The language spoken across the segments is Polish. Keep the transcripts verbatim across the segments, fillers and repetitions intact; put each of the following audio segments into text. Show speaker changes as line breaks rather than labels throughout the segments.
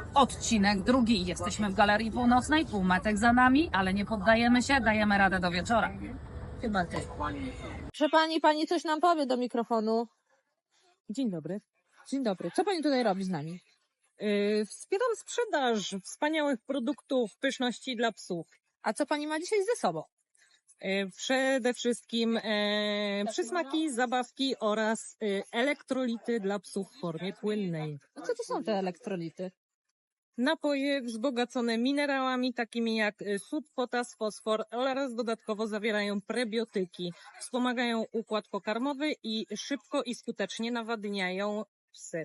odcinek drugi. Jesteśmy w Galerii Północnej, półmetek za nami, ale nie poddajemy się, dajemy radę do wieczora. Chyba ty.
Proszę pani, pani coś nam powie do mikrofonu. Dzień dobry. Dzień dobry. Co pani tutaj robi z nami?
Yy, Wspieram sprzedaż wspaniałych produktów pyszności dla psów.
A co pani ma dzisiaj ze sobą?
Yy, Przede wszystkim e, przysmaki, zabawki oraz e, elektrolity dla psów w formie płynnej.
A co to są te elektrolity?
Napoje wzbogacone minerałami takimi jak e, sód, potas, fosfor oraz dodatkowo zawierają prebiotyki. Wspomagają układ pokarmowy i szybko i skutecznie nawadniają psy.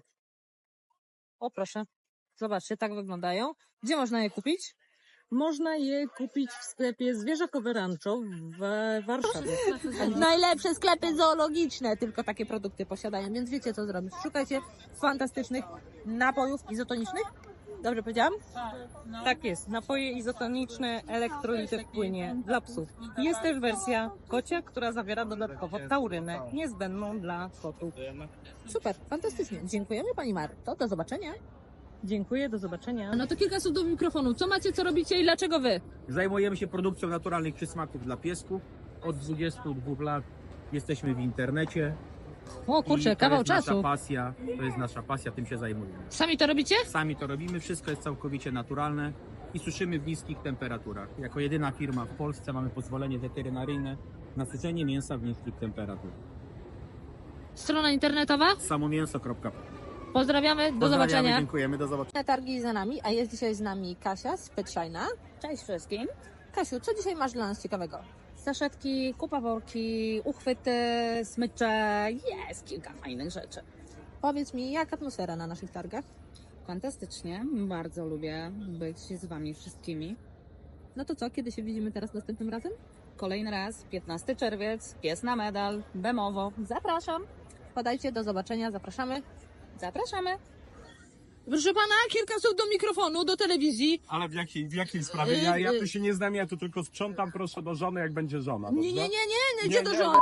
O proszę. Zobaczcie, tak wyglądają. Gdzie można je kupić?
Można je kupić w sklepie Zwierzakowe Rancho w Warszawie.
Najlepsze sklepy zoologiczne tylko takie produkty posiadają, więc wiecie co zrobić. Szukajcie fantastycznych napojów izotonicznych. Dobrze powiedziałam?
Tak jest, napoje izotoniczne, elektrolity w płynie dla psów. Jest też wersja kocia, która zawiera dodatkowo taurynę, niezbędną dla kotów.
Super, fantastycznie. Dziękujemy pani Marto. Do zobaczenia.
Dziękuję, do zobaczenia.
No to kilka słów do mikrofonu. Co macie, co robicie i dlaczego wy?
Zajmujemy się produkcją naturalnych przysmaków dla piesków. Od dwudziestu dwóch lat jesteśmy w internecie.
O kurczę,
I to
kawał
jest
czasu.
Nasza pasja, to jest nasza pasja, tym się zajmujemy.
Sami to robicie?
Sami to robimy, wszystko jest całkowicie naturalne i suszymy w niskich temperaturach. Jako jedyna firma w Polsce mamy pozwolenie weterynaryjne na suszenie mięsa w niskich temperaturach.
Strona internetowa?
samomięso kropka p l.
Pozdrawiamy, do
Pozdrawiamy,
zobaczenia.
Dziękujemy, do zobaczenia.
Targi za nami, a jest dzisiaj z nami Kasia z Petshine'a.
Cześć wszystkim.
Kasiu, co dzisiaj masz dla nas ciekawego?
Saszetki, kupaworki, uchwyty, smycze, jest kilka fajnych rzeczy.
Powiedz mi, jak atmosfera na naszych targach?
Fantastycznie, bardzo lubię być z wami wszystkimi.
No to co, kiedy się widzimy teraz następnym razem?
Kolejny raz, piętnasty czerwiec, pies na medal, Bemowo. Zapraszam,
Wpadajcie, do zobaczenia, zapraszamy.
zapraszamy.
Proszę pana, kilka słów do mikrofonu, do telewizji.
Ale w jakiej, w jakiej sprawie? Ja, ja tu się nie znam, ja tu tylko sprzątam, proszę do żony, jak będzie żona.
Nie, nie, nie,
dobrze?
nie, nie,
Nie,
gdzie do
nie,
żony?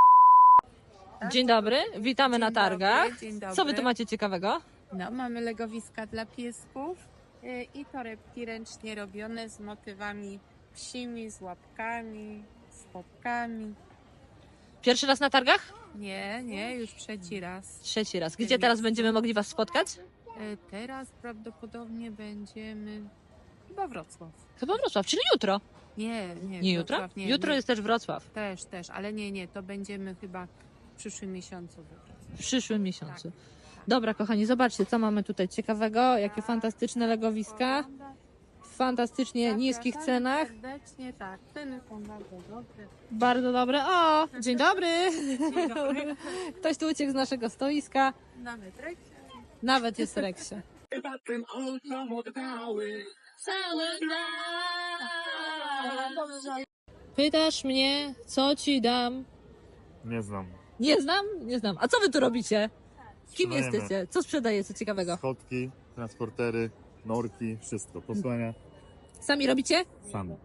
Dzień dobry, witamy na targach.
Dzień dobry.
Co wy tu macie ciekawego?
No, mamy legowiska dla piesków y, i torebki ręcznie robione z motywami psimi, z łapkami, z popkami.
Pierwszy raz na targach?
Nie, nie, już trzeci raz.
Trzeci raz. Gdzie teraz będziemy mogli was spotkać?
Y, Teraz prawdopodobnie będziemy chyba Wrocław.
Chyba Wrocław, czyli jutro.
Nie, nie.
Nie jutro?
Wrocław, nie,
Jutro
nie.
jest też Wrocław.
Też, też, ale nie, nie, to będziemy chyba w przyszłym miesiącu we Wrocławiu.
W przyszłym miesiącu. Dobra, kochani, zobaczcie, co mamy tutaj ciekawego. Jakie fantastyczne legowiska. W fantastycznie niskich
Zapraszamy
cenach.
Serdecznie, tak, ceny są bardzo dobre.
Bardzo dobre. O, dzień dobry. Ktoś tu uciekł z naszego stoiska.
Nawet rekcie.
Nawet jest Reksie. Pytasz mnie, co ci dam?
Nie znam.
Nie znam? Nie znam. A co wy tu robicie? Kim
Sprzedajemy.
jesteście? Co sprzedajecie ciekawego?
Schodki, transportery, norki, wszystko. Posłania
Sami robicie?
same.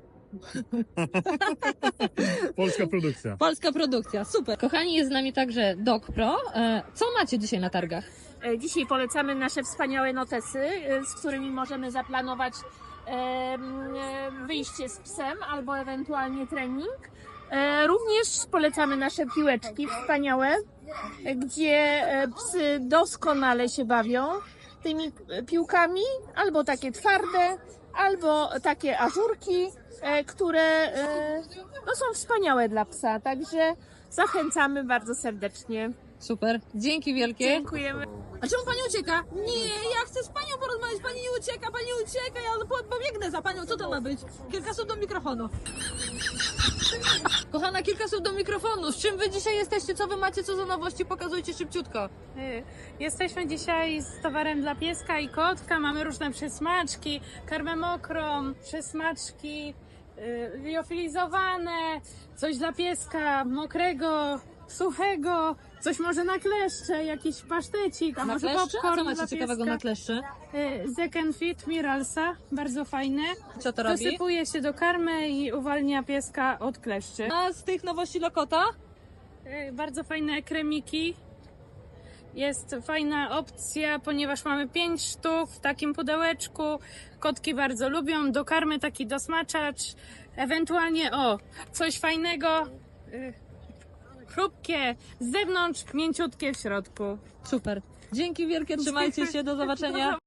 Polska produkcja.
Polska produkcja, super. Kochani, jest z nami także Dog Pro. E, Co macie dzisiaj na targach?
E, Dzisiaj polecamy nasze wspaniałe notesy, e, z którymi możemy zaplanować e, m, e, wyjście z psem albo ewentualnie trening. E, Również polecamy nasze piłeczki wspaniałe, e, gdzie e, psy doskonale się bawią tymi e, piłkami, albo takie twarde, albo takie ażurki, e, które e, no, są wspaniałe dla psa. Także zachęcamy bardzo serdecznie.
Super, dzięki wielkie.
Dziękujemy.
A czemu pani ucieka? Nie, ja chcę z panią porozmawiać, pani nie ucieka, pani ucieka, ja po- pobiegnę za panią, co to ma być? Kilka słów do mikrofonu. Kochana, kilka słów do mikrofonu. Z czym wy dzisiaj jesteście? Co wy macie? Co za nowości? Pokazujcie szybciutko.
Y, Jesteśmy dzisiaj z towarem dla pieska i kotka. Mamy różne przysmaczki, karmę mokrą, przysmaczki y, liofilizowane, coś dla pieska mokrego, suchego, coś może na kleszcze, jakiś pasztecik, a
Na
może
kleszcze? A
popcorn
co
dla
macie ciekawego
pieska.
na kleszcze?
Y, Zack and Fit Miralsa, bardzo fajne.
Co to robi?
Dosypuje się do karmy i uwalnia pieska od kleszczy.
A z tych nowości dla kota?
Y, Bardzo fajne kremiki.
Jest fajna opcja, ponieważ mamy pięć sztuk w takim pudełeczku. Kotki bardzo lubią, do karmy taki dosmaczacz. Ewentualnie, o, coś fajnego, y, chrupkie z zewnątrz, mięciutkie w środku.
Super. Dzięki wielkie, trzymajcie się, do zobaczenia.